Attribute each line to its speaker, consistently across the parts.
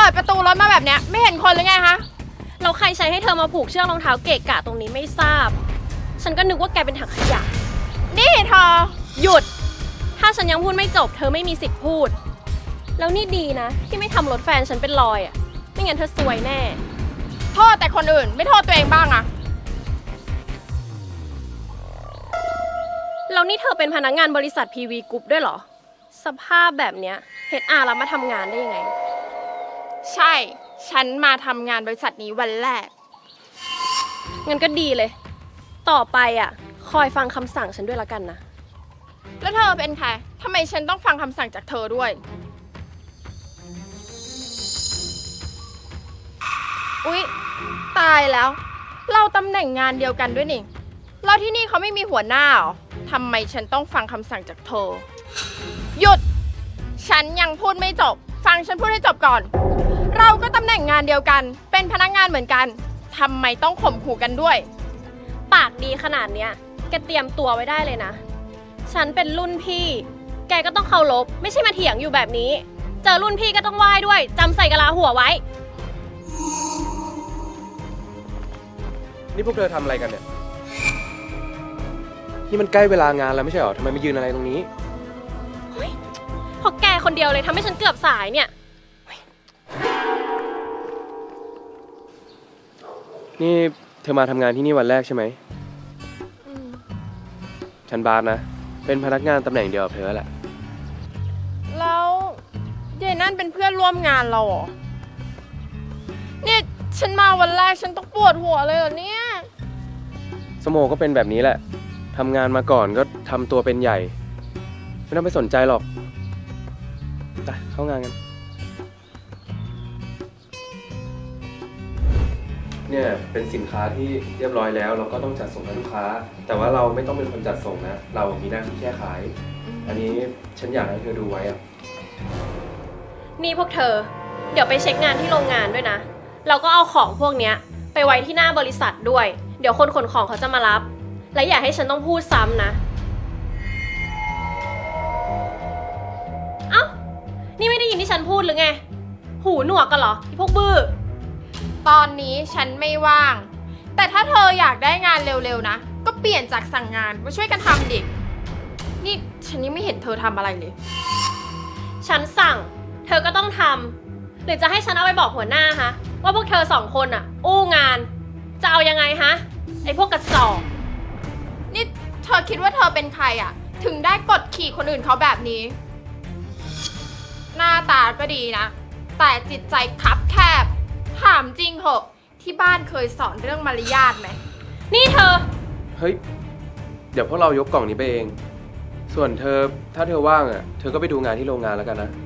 Speaker 1: ดประตูรถมาแบบเนี้ยไม่เห็นคนหรือไงคะ
Speaker 2: เราใครใช้ให้เธอมาผูกเชือกรองเท้าเกะกะตรงนี้ไม่ทราบฉันก็นึกว่าแกเป็นถังขยะ
Speaker 1: นี่เธอ
Speaker 2: หยุดถ้าฉันยังพูดไม่จบเธอไม่มีสิทธิ์พูดแล้วนี่ดีนะที่ไม่ทำรถแฟนฉันเป็นรอยอ่ะไม่งั้นเธอซวยแน่
Speaker 1: โทษแต่คนอื่นไม่โทษตัวเองบ้างอะ
Speaker 2: แล้วนี่เธอเป็นพนักงานบริษัท PV Group ด้วยเหรอสภาพแบบเนี้ย HR รับมาทำงานได้ยังไง
Speaker 1: ใช่ฉันมาทำงานบริษัทนี้วันแรก
Speaker 2: งั้นก็ดีเลยต่อไปอ่ะคอยฟังคำสั่งฉันด้วยละกันนะ
Speaker 1: แล้วเธอเป็นใครทำไมฉันต้องฟังคำสั่งจากเธอด้วยอุ๊ยตายแล้วเราตำแหน่งงานเดียวกันด้วยนี่เราที่นี่เขาไม่มีหัวหน้าหรอทำไมฉันต้องฟังคำสั่งจากเธอหยุดฉันยังพูดไม่จบฟังฉันพูดให้จบก่อนเราก็ตำแหน่งงานเดียวกันเป็นพนักงานเหมือนกันทำไมต้องข่มขู่กันด้วย
Speaker 2: ปากดีขนาดเนี้ยแกเตรียมตัวไว้ได้เลยนะฉันเป็นรุ่นพี่แกก็ต้องเคารพไม่ใช่มาเถียงอยู่แบบนี้เจอรุ่นพี่ก็ต้องไหว้ด้วยจำใส่กะลาหัวไว้
Speaker 3: นี่พวกเธอทำอะไรกันเนี่ยนี่มันใกล้เวลางานแล้วไม่ใช่หรอทำไมมายืนอะไรตรงนี้
Speaker 2: เพราะแกคนเดียวเลยทำให้ฉันเกือบสายเนี่ย
Speaker 3: นี่เธอมาทำงานที่นี่วันแรกใช่ไหมฉันบาสนะเป็นพนักงานตำแหน่งเดียวกับเธอแหละ
Speaker 1: แล้วยายนั่นเป็นเพื่อนร่วมงานเราเหรอเนี่ยฉันมาวันแรกฉันต้องปวดหัวเลยเหรอเนี่ย
Speaker 3: สโมก็เป็นแบบนี้แหละทำงานมาก่อนก็ทำตัวเป็นใหญ่ไม่ต้องไปสนใจหรอกไปเข้างานกันเนี่ยเป็นสินค้าที่เรียบร้อยแล้วเราก็ต้องจัดส่งให้ลูกค้าแต่ว่าเราไม่ต้องเป็นคนจัดส่งนะเรามีหน้าที่แค่ขายอันนี้ฉันอยากให้เธอดูไว้อะ
Speaker 2: นี่พวกเธอเดี๋ยวไปเช็คงานที่โรงงานด้วยนะเราก็เอาของพวกเนี้ยไปไว้ที่หน้าบริษัทด้วยเดี๋ยวคนขนของเขาจะมารับและอย่าให้ฉันต้องพูดซ้ำนะเอ้านี่ไม่ได้ยินที่ฉันพูดหรือไงหูหนวกกันเหรอไอ้พวกบื้อ
Speaker 1: ตอนนี้ฉันไม่ว่างแต่ถ้าเธออยากได้งานเร็วๆนะก็เปลี่ยนจากสั่งงานมาช่วยกันทำดินี่ฉันยังไม่เห็นเธอทำอะไรเลย
Speaker 2: ฉันสั่งเธอก็ต้องทำหรือจะให้ฉันเอาไปบอกหัวหน้าฮะว่าพวกเธอสองคนอ่ะอู้งานจะเอายังไงฮะไอ้พวกกระจอก
Speaker 1: นี่เธอคิดว่าเธอเป็นใครอ่ะถึงได้กดขี่คนอื่นเขาแบบนี้หน้าตาก็ดีนะแต่จิตใจคับแคบถามจริงเหอะที่บ้านเคยสอนเรื่องมารยาทไหม
Speaker 2: นี่เธอ
Speaker 3: เฮ้ยเดี๋ยวพวกเรายกกล่องนี้ไปเองส่วนเธอถ้าเธอว่างอ่ะเธอก็ไปดูงานที่โรงงานแล้วกันนะ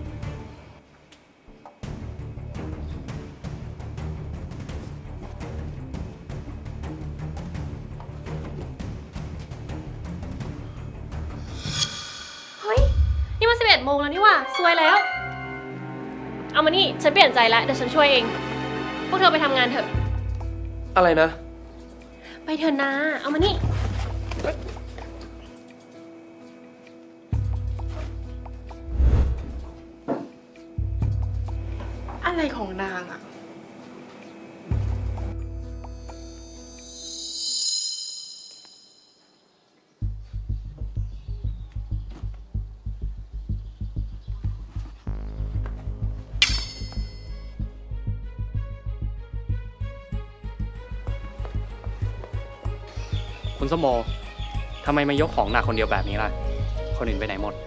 Speaker 2: เฮ้ยนี่มัน11 โมงแล้วนี่ว่ะซวยแล้วเอามานี่ฉันเปลี่ยนใจแล้วเดี๋ยวฉันช่วยเองพวกเธอไปทำงานเถอะ
Speaker 3: อะไรนะ
Speaker 2: ไปเถอะนะเอามานี่
Speaker 1: อะไรของนางอะ
Speaker 4: คุณสมโมทำไมมายกของหนักคนเดียวแบบนี้ล่ะคนอื่นไปไหนหมด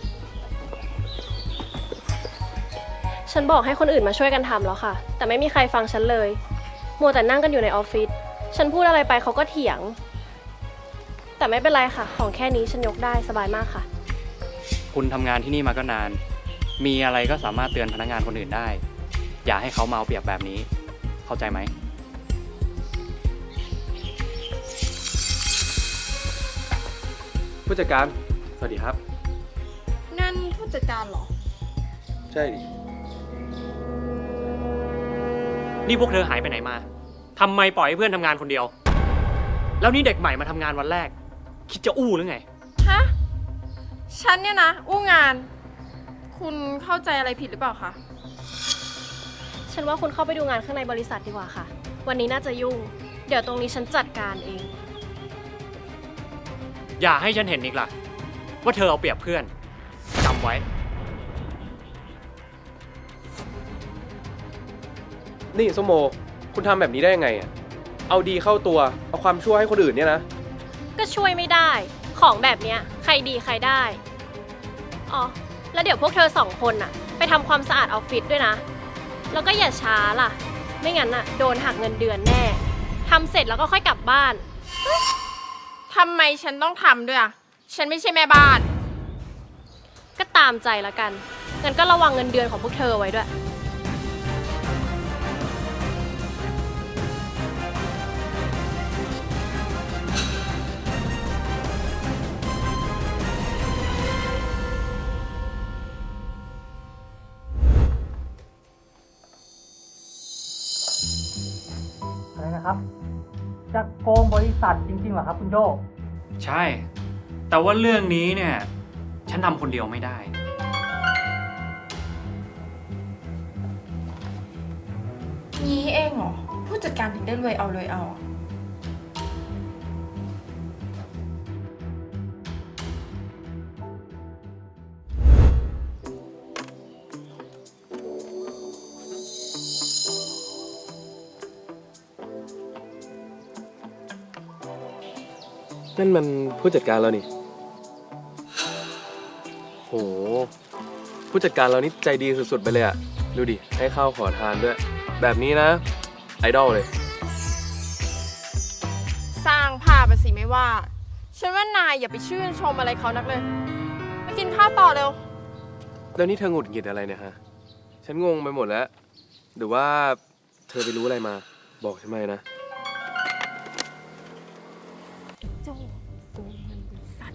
Speaker 2: ฉันบอกให้คนอื่นมาช่วยกันทำแล้วค่ะแต่ไม่มีใครฟังฉันเลยมัวแต่นั่งกันอยู่ในออฟฟิศฉันพูดอะไรไปเขาก็เถียงแต่ไม่เป็นไรค่ะของแค่นี้ฉันยกได้สบายมากค่ะ
Speaker 4: คุณทำงานที่นี่มาก็นานมีอะไรก็สามารถเตือนพนักงานคนอื่นได้อย่าให้เขาเมาเปรียบแบบนี้เข้าใจไหม
Speaker 3: ผู้จัดการสวัสดีครับ
Speaker 1: นั่นผู้จัดการเหรอ
Speaker 3: ใช่ดิ
Speaker 4: นี่พวกเธอหายไปไหนมาทำไมปล่อยให้เพื่อนทำงานคนเดียวแล้วนี่เด็กใหม่มาทำงานวันแรกคิดจะอู้หรือไง
Speaker 1: ฮะฉันเนี่ยนะอู้งานคุณเข้าใจอะไรผิดหรือเปล่าคะ
Speaker 2: ฉันว่าคุณเข้าไปดูงานข้างในบริษัทดีกว่าค่ะ วันนี้น่าจะยุ่ง เดี๋ยวตรงนี้ฉันจัดการเอง
Speaker 4: อย่าให้ฉันเห็นอีกล่ะ ว่าเธอเอาเปรียบเพื่อนจำไว้
Speaker 3: นี่ส้มโม คุณทำแบบนี้ได้ยังไงอ่ะ เอาดีเข้าตัว เอาความชั่วให้คนอื่นเนี่ยนะ
Speaker 2: ก็ช่วยไม่ได้ ของแบบเนี้ยใครดีใครได้ อ๋อ แล้วเดี๋ยวพวกเธอ2 คนน่ะ ไปทำความสะอาดออฟฟิศด้วยนะ แล้วก็อย่าช้าล่ะ ไม่งั้นน่ะโดนหักเงินเดือนแน่ ทำเสร็จแล้วก็ค่อยกลับบ้าน
Speaker 1: ทำไมฉันต้องทำด้วยอ่ะ ฉันไม่ใช่แม่บ้าน
Speaker 2: ก็ตามใจละกัน งั้นก็ระวังเงินเดือนของพวกเธอไว้ด้วย
Speaker 5: อะไรนะครับ จะโกงบริษัทจริงๆเหรอครับคุณโจ้
Speaker 4: ใช่ แต่ว่าเรื่องนี้เนี่ย ฉันทำคนเดียวไม่ได้
Speaker 1: งี้เองเหรอ ผู้จัดการถึงได้รวยเอารวยเอา
Speaker 3: นั่นมันผู้จัดการเรานี่ โห ผู้จัดการเรานี่ใจดีสุดๆไปเลยอะดูดิ ให้ข้าวขอทานด้วย แบบนี้นะ ไอดอลเลย
Speaker 1: สร้างภาพอะสิไม่ว่า ฉันว่านายอย่าไปชื่นชมอะไรเขานักเลยมากินข้าวต่อเร็ว
Speaker 3: แล้วนี่เธอหงุดหงิดอะไรเนี่ยฮะ ฉันงงไปหมดแล้ว หรือว่าเธอไปรู้อะไรมา บอกฉันมานะ
Speaker 1: โจ้โกงเงินบริษัท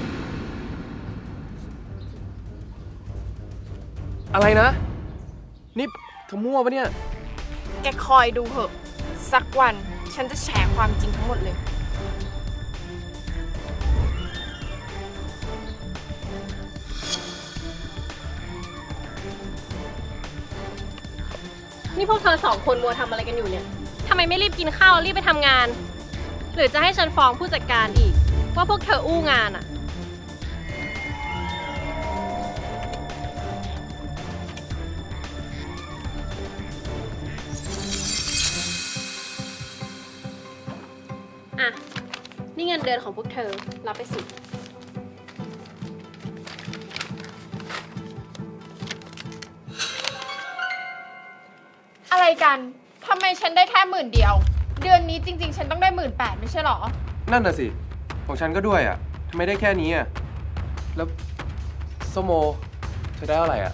Speaker 3: อะไรนะ นี่เธอมั่วปะเนี่ย
Speaker 1: แกคอยดูเถอะ สักวันฉันจะแฉความจริงทั้งหมดเลย
Speaker 2: นี่พวกเธอ2 คนมัวทำอะไรกันอยู่เนี่ย ทำไมไม่รีบกินข้าวรีบไปทำงาน หรือจะให้ฉันฟ้องผู้จัดการอีก ว่าพวกเธออู้งานอะอ่ะ นี่เงินเดือนของพวกเธอ รับไปสิ
Speaker 1: อะไรกัน ทำไมฉันได้แค่10,000 เดียว เดือนนี้จริงๆ ฉันต้องได้18,000ไม่ใช่หรอ
Speaker 3: นั่นน่ะสิ ของฉันก็ด้วยอ่ะทำไมได้แค่นี้อ่ะ แล้วส้มโม เธอได้เท่าไหร่อ่ะ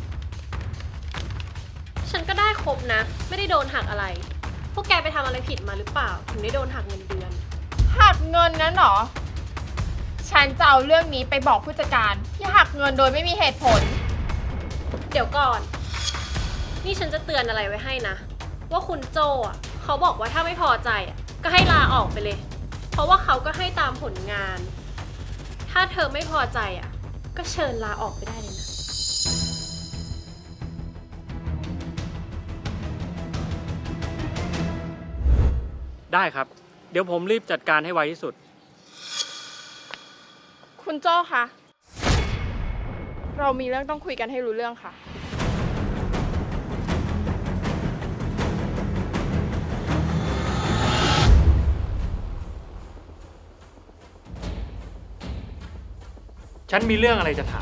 Speaker 2: ฉันก็ได้ครบนะ ไม่ได้โดนหักอะไร พวกแกไปทำอะไรผิดมาหรือเปล่า ถึงได้โดนหักเงินเดือน
Speaker 1: หักเงินนั้นเหรอ ฉันจะเอาเรื่องนี้ไปบอกผู้จัดการที่หักเงินโดยไม่มีเหตุผล
Speaker 2: เดี๋ยวก่อน นี่ฉันจะเตือนอะไรไว้ให้นะ ว่าคุณโจอ่ะเขาบอกว่าถ้าไม่พอใจอ่ะก็ให้ลาออกไปเลย เพราะว่าเขาก็ให้ตามผลงาน ถ้าเธอไม่พอใจอ่ะก็เชิญลาออกไปได้เลยนะ
Speaker 4: ได้ครับ เดี๋ยวผมรีบจัดการให้ไวที่สุด
Speaker 1: คุณโจ้คะ เรามีเรื่องต้องคุยกันให้รู้เรื่องค่ะ
Speaker 4: ฉันมีเรื่องอะไรจะถาม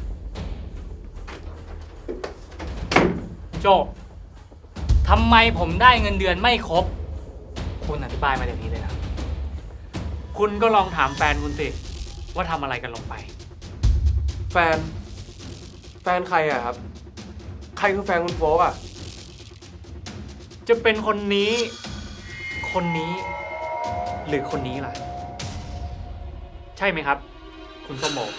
Speaker 5: โจ้ทำไมผมได้เงินเดือนไม่ครบ คุณอธิบายมาอย่างนี้เลยนะ
Speaker 4: คุณก็ลองถามแฟนคุณสิ ว่าทำอะไรกันลงไป
Speaker 3: แฟนใครอ่ะครับ ใครคือแฟนคุณโฟกอ่ะ
Speaker 4: จะเป็นคนนี้ คนนี้ หรือคนนี้ล่ะ ใช่ไหมครับ คุณส้มโม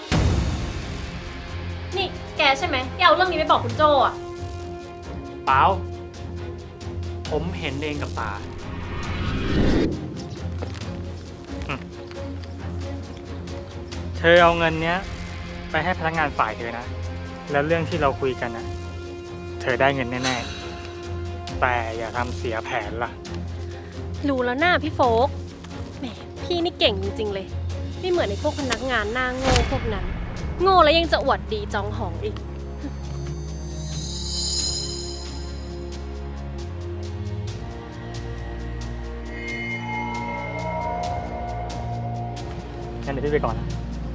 Speaker 2: นี่แกใช่ไหมที่เอาเรื่องนี้ไปบอกคุณโจอ่ะ
Speaker 4: เปล่า ผมเห็นเองกับตา
Speaker 5: เธอเอาเงินเนี้ย ไปให้พนักงานฝ่ายเธอนะ แล้วเรื่องที่เราคุยกันนะเธอได้เงินแน่
Speaker 4: แต่อย่าทำเสียแผนล่ะ
Speaker 2: รู้แล้วหน้าพี่โฟกแหมพี่นี่เก่งจริงๆเลย ไม่เหมือนในพวกพนักงานหน้าโง่พวกนั้น โง่แล้วยังจะอวดดีจองหองอีก
Speaker 4: งั้นเดี๋ยวพี่ไปก่อนนะ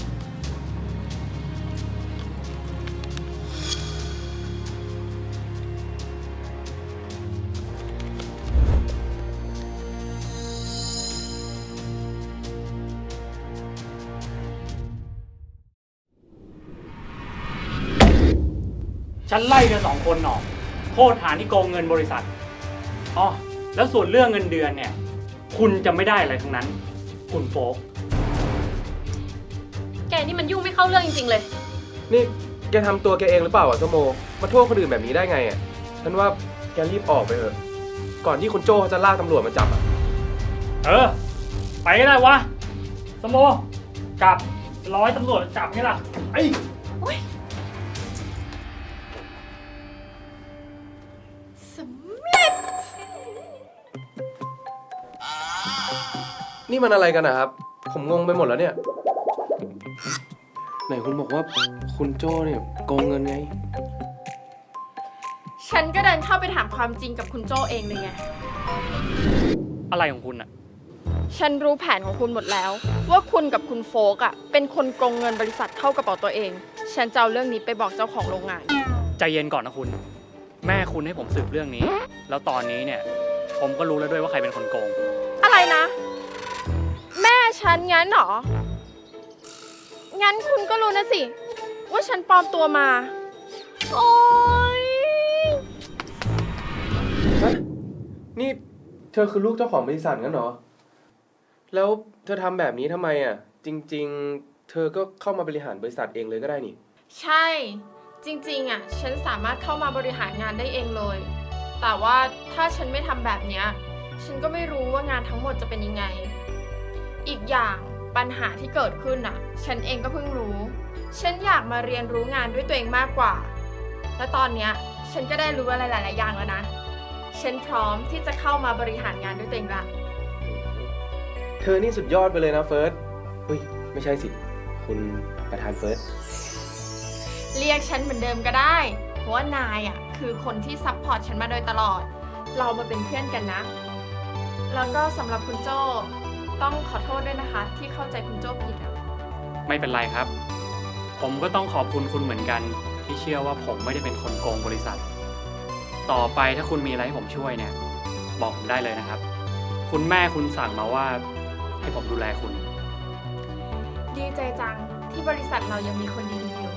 Speaker 4: ฉันไล่เธอสองคนออกโทษฐานที่โกงเงินบริษัทอ๋อแล้วส่วนเรื่องเงินเดือนเนี่ย คุณจะไม่ได้อะไรทั้งนั้น คุณโฟก
Speaker 2: แกนี่มันยุ่งไม่เข้าเรื่องจริงๆเลย
Speaker 3: นี่แกทำตัวแกเองหรือเปล่าอะส้มโอมาโทษคนอื่นแบบนี้ได้ไงอะฉันว่าแกรีบออกไปเถอะก่อนที่คุณโจ้เขาจะลากตำรวจมาจับอะ
Speaker 4: เออ ไปก็ได้วะ สมโมกลับร้อยตำรวจจับไงล่ะไอ้
Speaker 1: สำเร็จ
Speaker 3: นี่มันอะไรกันนะครับ ผมงงไปหมดแล้วเนี่ย ไหนคุณบอกว่าคุณโจ้เนี่ยโกงเงินไง
Speaker 1: ฉันก็เดินเข้าไปถามความจริงกับคุณโจ้เองเลยไง
Speaker 4: อะไรของคุณอะ
Speaker 1: ฉันรู้แผนของคุณหมดแล้ว ว่าคุณกับคุณโฟกเป็นคนโกงเงินบริษัทเข้ากระเป๋าตัวเอง ฉันจะเอาเรื่องนี้ไปบอกเจ้าของโรงงาน
Speaker 4: ใจเย็นก่อนนะคุณ แม่คุณให้ผมสืบเรื่องนี้ แล้วตอนนี้เนี่ย ผมก็รู้แล้วด้วยว่าใครเป็นคนโกง
Speaker 1: อะไรนะ แม่ฉันงั้นเหรอ งั้นคุณก็รู้นะสิ ว่าฉันปลอมตัวมา โอ๊ย
Speaker 3: ฮะ นี่เธอคือลูกเจ้าของบริษัทงั้นเหรอ แล้วเธอทำแบบนี้ทำไมอ่ะ จริง ๆ เธอก็เข้ามาบริหารบริษัทเองเลยก็ได้นี่
Speaker 1: ใช่ จริงๆฉันสามารถเข้ามาบริหารงานได้เองเลย แต่ว่าถ้าฉันไม่ทำแบบเนี้ยฉันก็ไม่รู้ว่างานทั้งหมดจะเป็นยังไง อีกอย่างปัญหาที่เกิดขึ้นฉันเองก็เพิ่งรู้ ฉันอยากมาเรียนรู้งานด้วยตัวเองมากกว่า และตอนเนี้ยฉันก็ได้รู้อะไรหลายๆอย่างแล้วนะ ฉันพร้อมที่จะเข้ามาบริหารงานด้วยตัวเองละ
Speaker 3: เธอนี่สุดยอดไปเลยนะเฟิร์สเฮ้ย ไม่ใช่สิ คุณประธานเฟิร์ส
Speaker 1: เรียกฉันเหมือนเดิมก็ได้ เพราะว่านายคือคนที่ซัพพอร์ตฉันมาโดยตลอด เรามาเป็นเพื่อนกันนะ แล้วก็สำหรับคุณโจ้ต้องขอโทษด้วยนะคะ ที่เข้าใจคุณโจ้ผิด
Speaker 4: ไม่เป็นไรครับ ผมก็ต้องขอบคุณคุณเหมือนกัน ที่เชื่อว่าผมไม่ได้เป็นคนโกงบริษัท ต่อไปถ้าคุณมีอะไรให้ผมช่วยเนี่ย บอกผมได้เลยนะครับ คุณแม่คุณสั่งมาว่าให้ผมดูแลคุณ
Speaker 1: ดีใจจังที่บริษัทเรายังมีคนดีๆอยู่